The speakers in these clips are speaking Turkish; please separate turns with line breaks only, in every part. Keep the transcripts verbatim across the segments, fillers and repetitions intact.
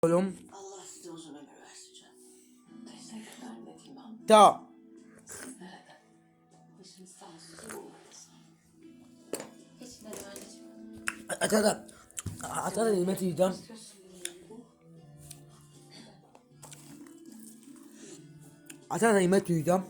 Oğlum.
Allah size uzun ömür versin canım. Teşekkürler ne diyeyim ben.
Da.
Nerede? Başınız sağ olsun. Hiç ne anneciğim.
Ata da. Ata da yemek yiyeceğim. Ata da yemek yiyeceğim.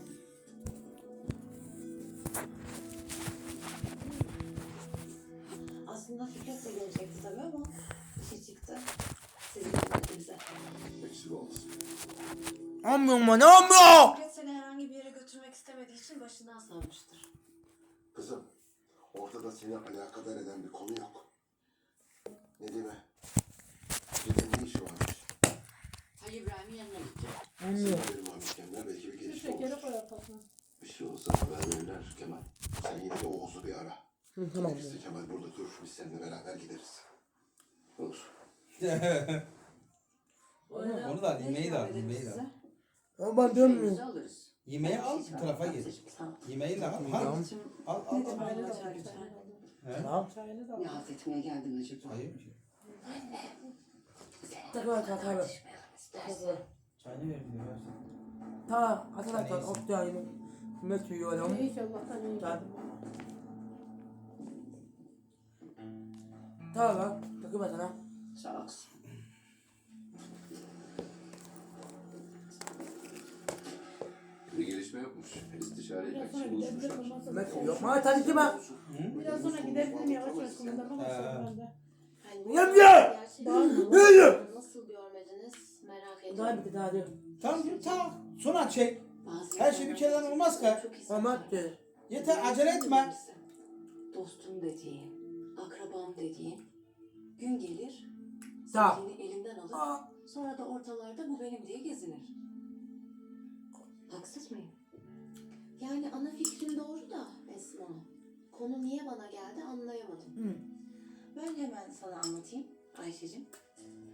Aslında Fikret de gelecekti tabii ama işi çıktı. Sizin hizmetinize.
Eksik olmasın.
Olmuyor mu? Ne olmuyor?
Fikret seni herhangi bir yere götürmek istemediği için başından savmıştır.
Kızım, ortada seni alakadar eden bir konu yok. Nedim'e. Nedim'in ne işi varmış?
Ay İbrahim'in yanına gideceğim.
Olmuyor.
Senin haberin varmış Kemal, belki bir gelişme
Şekeri
olur.
koy kafasına.
Bir şey olsa haber verirler Kemal. Sen yine de Oğuz'u bir ara.
Hı, tamam.
Gerekirse Kemal burada dur, biz seninle beraber gideriz. Olur.
Onu da al, yemeği de al, yemeği de al.
Ama ben dönmüyorum.
alırız.
Yemeği al, bu tarafa gir. Yemeği de al, al. Al, al, al.
Çayını da al.
He?
Tamam.
Çayını da al.
Ne halt etmeye geldin acaba?
Hayır ki.
Takıyor ata tabi.
Çayını ver bir de ver.
Ta ata da ta ot da yemek. Yemek yiyorum.
İyi ki Allah'tan iyi.
Ta. Ta bak. Takıyor sana.
Sağ olsun.
Bir gelişme yokmuş. İstişare
Biraz
etmek
sonra
için buluşmuşlar.
gidebilirim. ondan sonra-
Yemek yiyorum. Ama tabii ki ben.
Biraz sonra gidebilirim yavaş yavaş kumanda falan ben de.
Yemye! Yemye!
Nasıl görmediniz merak
Daha
ediyorum.
bitti daha diyor.
Tamam, tamam. Sonra çek.
Bazı
Her şey bir kereden olmaz ki.
çok hissederim.
Ama de.
Yeter, acele etme.
Dostum dediğin, akrabam dediğin gün gelir,
Ta.
sevdiğini elinden alır,
Aa.
sonra da ortalarda bu benim diye gezinir. Haksız mıyım? Yani ana fikrin doğru da Esma. Konu niye bana geldi anlayamadım.
Hı.
Ben hemen sana anlatayım Ayşe'cim.